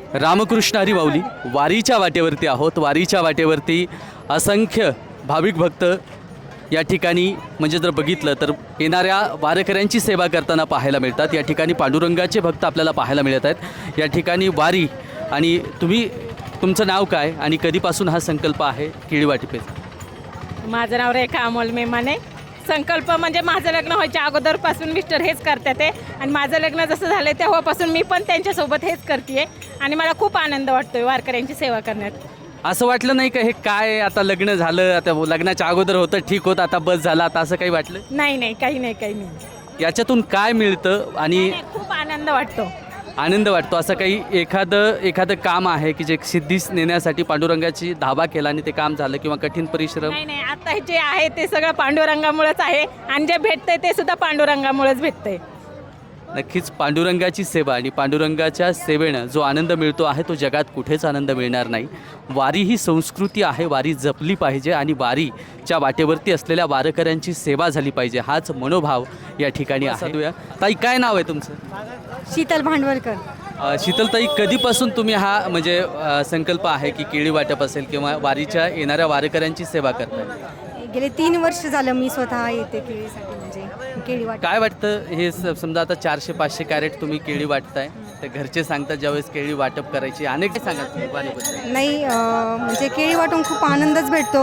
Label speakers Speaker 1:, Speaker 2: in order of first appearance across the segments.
Speaker 1: रामकृष्ण हरी माऊली वारीच्या वाटेवरती आहोत। वारीच्या वाटेवरती असंख्य भाविक भक्त या ठिकाणी म्हणजे जर बघितलं तर येणाऱ्या वारकऱ्यांची सेवा करताना पाहायला मिळतात। या ठिकाणी पांडुरंगाचे भक्त आपल्याला पाहायला मिळत आहेत। या ठिकाणी वारी आणि तुमचं नाव काय आणि कधीपासून हा संकल्प आहे केळी वाटिकेचा?
Speaker 2: माझं नाव रेखा अमोल मेमाने। संकल्प म्हणजे माझं लग्न व्हायच्या अगोदरपासून मिस्टर हेच करतात ते आणि माझं लग्न जसं झालं तेव्हापासून मी पण त्यांच्यासोबत हेच करते आणि मला खूप आनंद वाटतोय वारकऱ्यांची सेवा करण्यात।
Speaker 1: असं वाटलं नाही का हे काय आता लग्न झालं, आता लग्नाच्या अगोदर होतं ठीक होतं, आता बस झाला, आता असं काही वाटलं?
Speaker 2: नाही, काही नाही।
Speaker 1: याच्यातून काय मिळतं आणि
Speaker 2: खूप आनंद वाटतो।
Speaker 1: आनंद वाटतो असं काही एखादं काम आहे की जे सिद्धीस नेण्यासाठी पांडुरंगाची धावा केला आणि ते काम झालं किंवा कठीण परिश्रम?
Speaker 2: नाही, आता जे आहे ते सगळं पांडुरंगामुळेच आहे आणि जे भेटतंय ते सुद्धा पांडुरंगामुळेच भेटतंय।
Speaker 1: नक्कीच पांडुरंगाची सेवा आणि पांडुरंगाच्या सेवेनं जो आनंद मिळतो आहे तो जगात कुठेच आनंद मिळणार नाही। वारी ही संस्कृती आहे, वारी जपली पाहिजे आणि वारीच्या वाटेवरती असलेल्या वारकऱ्यांची सेवा झाली पाहिजे, हाच मनोभाव या ठिकाणी आहे। ताई, काय नाव आहे तुमचं?
Speaker 3: शीतल भांडवलकर।
Speaker 1: शीतलताई, कधीपासून तुम्ही हा म्हणजे संकल्प आहे की केळी वाटप असेल किंवा वारीच्या येणाऱ्या वारकऱ्यांची सेवा करताय?
Speaker 3: गेले 3 वर्ष झालं मी स्वतः येते केळीसाठी, म्हणजे केळी वाट।
Speaker 1: काय वाटतं हे समजा आता 400-500 कॅरेट तुम्ही केळी वाटताय तर घरचे सांगतात ज्यावेळेस केळी वाटप करायची अनेक सांगा तुम्ही वारीबद्दल?
Speaker 3: नाही, म्हणजे केळी वाटून खूप आनंदच भेटतो,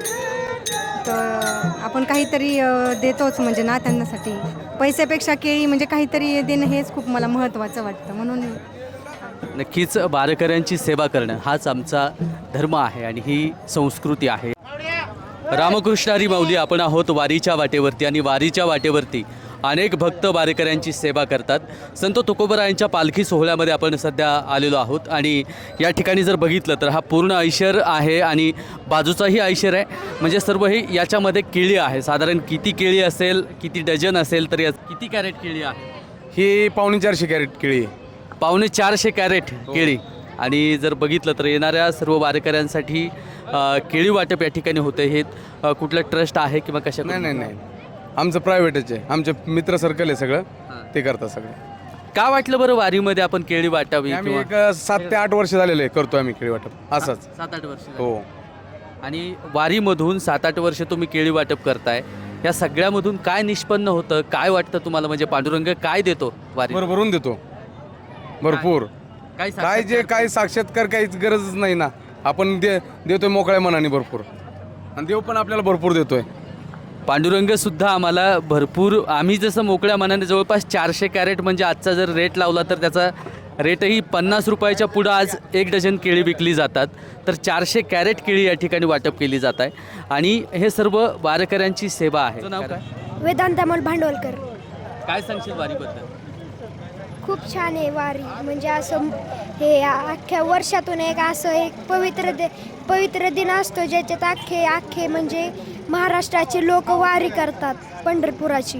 Speaker 3: तर आपण काहीतरी देतोच म्हणजे ना त्यांच्यासाठी। पैशापेक्षा केळी म्हणजे काहीतरी देणं हेच खूप मला महत्त्वाचं वाटतं, म्हणून
Speaker 1: नक्कीच वारकऱ्यांची सेवा करणं हाच आमचा धर्म आहे आणि ही संस्कृती आहे। रामकृष्ण हरी माऊली, आपण आहोत वारीच्या वाटेवरती आणि वारीच्या वाटेवरती अनेक भक्त वारकऱ्यांची सेवा करतात। संत तुकोबरायांच्या पालखी सोहळ्यामध्ये आपण सध्या आलेलो आहोत आणि या ठिकाणी जर बघितलं तर हा पूर्ण ऐशर आहे आणि बाजूचाही ऐशर आहे, म्हणजे सर्व हे याच्यामध्ये केळी आहे। साधारण किती केळी असेल, किती डझन असेल, तर या किती कॅरेट केळी आहे?
Speaker 4: ही 450 कॅरेट केळी।
Speaker 1: 450 कॅरेट केळी। आणि जर बघितलं तर येणाऱ्या सर्व वारकऱ्यांसाठी केळी वाटप या ठिकाणी होते। हे कुठलं ट्रस्ट आहे किंवा कशा?
Speaker 4: नाही, आमचं प्रायव्हेटच आहे, आमचे मित्र सर्कल आहे सगळं, ते करतात सगळं।
Speaker 1: का वाटलं बरं वारीमध्ये आपण केळी वाटावी?
Speaker 4: आम्ही एक 7 ते 8 वर्ष झालेले करतो आम्ही केळी वाटप असंच।
Speaker 1: 7-8 वर्ष?
Speaker 4: हो।
Speaker 1: आणि वारीमधून 7-8 वर्ष तुम्ही केळी वाटप करताय, या सगळ्यामधून काय निष्पन्न होतं, काय वाटतं तुम्हाला? म्हणजे पांडुरंग काय देतो वारी?
Speaker 4: भरभरून देतो, भरपूर। काय जे काय साक्षात्कार काहीच गरजच नाही ना, आपण देतोय मोकळ्या मनाने भरपूर, आणि देव पण आपल्याला भरपूर देतोय।
Speaker 1: पांडुरंग सुद्धा आम्हाला भरपूर, आम्ही जसं मोकळ्या मनाने जवळपास 400 कॅरेट म्हणजे आजचा जर रेट लावला तर त्याचा रेटही 50 रुपयाच्या पुढं आज 1 डझन केळी विकली जातात, तर 400 कॅरेट केळी या ठिकाणी वाटप केली जात आहे आणि हे सर्व वारकऱ्यांची सेवा आहे। नाव काय?
Speaker 5: वेदांत अमोल भांडवलकर।
Speaker 1: काय सांगशील वारीबद्दल?
Speaker 5: खूप छान आहे वारी, म्हणजे असं हे अख्ख्या वर्षातून एक पवित्र दिन असतो ज्याच्यात अख्खे म्हणजे महाराष्ट्राचे लोक वारी करतात पंढरपुराची।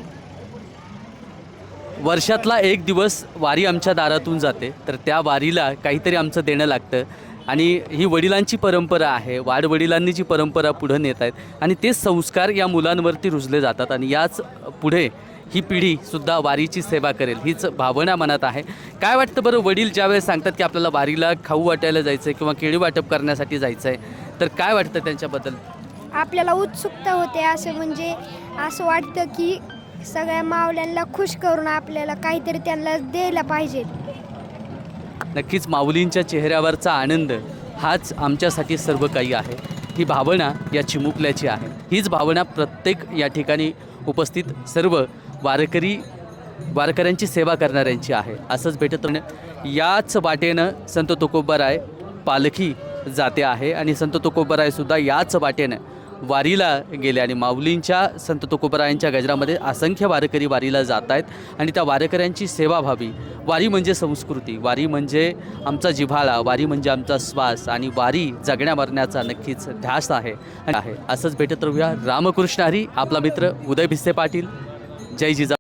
Speaker 1: वर्षातला एक दिवस वारी आमच्या दारातून जाते, तर त्या वारीला काहीतरी आमचं देणं लागतं आणि ही वडिलांची परंपरा आहे, वाडवडिलांनी जी परंपरा पुढे नेत आहेत आणि तेच संस्कार या मुलांवरती रुजले जातात आणि याच पुढे ही पिढीसुद्धा वारीची सेवा करेल हीच भावना मनात आहे। काय वाटतं बरं, वडील ज्यावेळेस सांगतात की आपल्याला वारीला खाऊ वाटायला जायचं आहे किंवा केळी वाटप करण्यासाठी जायचं आहे, तर काय वाटतं त्यांच्याबद्दल?
Speaker 5: आपल्याला उत्सुकता होते, असं वाटतं की सगळ्या माऊल्यांना खुश करून आपल्याला काहीतरी त्यांना द्यायला पाहिजे।
Speaker 1: नक्कीच माऊलींच्या चेहऱ्यावरचा आनंद हाच आमच्यासाठी सर्व काही आहे। ही भावना या चिमुकल्याची आहे, हीच भावना प्रत्येक या ठिकाणी उपस्थित सर्व वारकऱ्यांची सेवा करणाऱ्यांची आहे। असंच भेटत याच वाटेनं संत तुकोबाराय पालखी जाते आहे आणि संत तुकोबारायसुद्धा याच वाटेनं वारीला गेले आणि माऊलींच्या संत तुकोबारायांच्या गजरामध्ये असंख्य वारकरी वारीला जात आहेत आणि त्या वारकऱ्यांची सेवा व्हावी। वारी म्हणजे संस्कृती, वारी म्हणजे आमचा जिव्हाळा, वारी म्हणजे आमचा श्वास आणि वारी जगण्या मरण्याचा नक्कीच ध्यास आहे। असंच भेटत राहूया। रामकृष्ण हरी, आपला मित्र उदय भिस्से पाटील। जय जिजा।